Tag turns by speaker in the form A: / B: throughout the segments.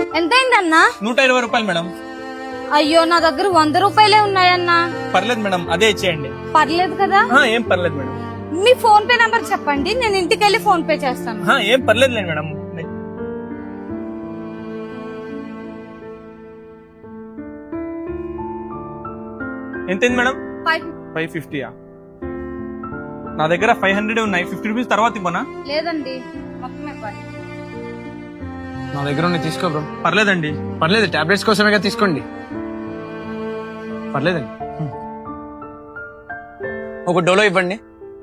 A: ఎంతైందన్నా?
B: 120 రూపాయలు మేడం.
A: అయ్యో నా దగ్గర 100 రూపాయలే ఉన్నాయన్నా.
B: పర్లేదు మేడం, అదే ఇచ్చేయండి.
A: పర్లేదు కదా?
B: ఏం పర్లేదు మేడం.
A: మీ ఫోన్ పే నంబర్ చెప్పండి, నేను ఇంటికి వెళ్ళి ఫోన్ పే చేస్తాను.
B: ఏం పర్లేదులే మేడం. ఎంతైంది మేడం? 550. నా దగ్గర 500 ఉన్నాయి. 50 రూపీస్ తర్వాత ఇవ్వనా?
A: లేదండి, మొత్తం ఇవ్వాలి.
C: నా దగ్గర ఉన్నాయి, తీసుకో బ్రో.
B: పర్లేదండి.
C: పర్లేదు, టాబ్లెట్స్ కోసమే కదా, తీసుకోండి. పర్లేదండి. ఒక డోలో ఇవ్వండి.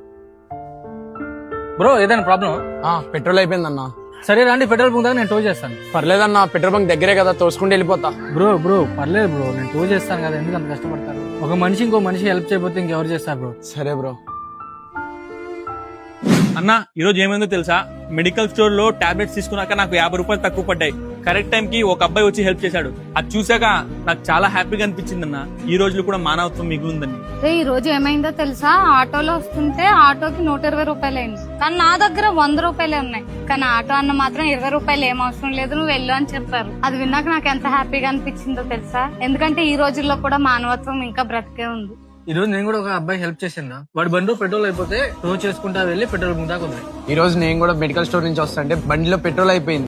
D: బ్రో ఏదైనా ప్రాబ్లం?
C: పెట్రోల్ అయిపోయిందన్నా.
D: సరే రండి, పెట్రోల్ బంక్ దాకా నేను టో చేస్తాను.
C: పర్లేదన్నా, పెట్రోల్ బంక్ దగ్గరే కదా, తోసుకుంటూ వెళ్ళిపోతా.
D: బ్రో పర్లేదు బ్రో, నేను టో చేస్తాను కదా, ఎందుకు అంత కష్టపడతారు? ఒక మనిషి ఇంకో మనిషి హెల్ప్ చేయకపోతే ఇంకెవరు చేస్తారు బ్రో?
C: సరే బ్రో.
B: అన్న, ఈ రోజు ఏమైందో తెలుసా? మెడికల్ స్టోర్ లో టాబ్లెట్స్ తీసుకున్నాక నాకు 50 రూపాయలు తక్కువ పడ్డాయి. కరెక్ట్ టైం కి ఒక అబ్బాయి వచ్చి హెల్ప్ చేశాడు. అది చూసాక నాకు చాలా హ్యాపీగా అనిపించింది అన్న. ఈ రోజులు కూడా మానవత్వం మిగులుందని.
A: ఈ రోజు ఏమైందో తెలుసా? ఆటోలో వస్తుంటే ఆటోకి 120 రూపాయలు అయింది, కానీ నా దగ్గర 100 రూపాయలే ఉన్నాయి. కానీ ఆటో అన్న మాత్రం 20 రూపాయలు ఏం అవసరం లేదు, నువ్వు వెళ్ళు అని చెప్పారు. అది విన్నాక నాకు ఎంత హ్యాపీగా అనిపించిందో తెలుసా? ఎందుకంటే ఈ రోజుల్లో కూడా మానవత్వం ఇంకా బ్రతికే ఉంది.
D: ఈ రోజు నేను కూడా ఒక అబ్బాయి హెల్ప్ చేసిందా, వాడి బండిలో పెట్రోల్ అయిపోతే టో చేసుకుంటా వెళ్ళి పెట్రోల్ బంక్ దాకా ఉంది.
C: ఈ రోజు నేను కూడా మెడికల్ స్టోర్ నుంచి వస్తాంటే బండిలో పెట్రోల్ అయిపోయింది.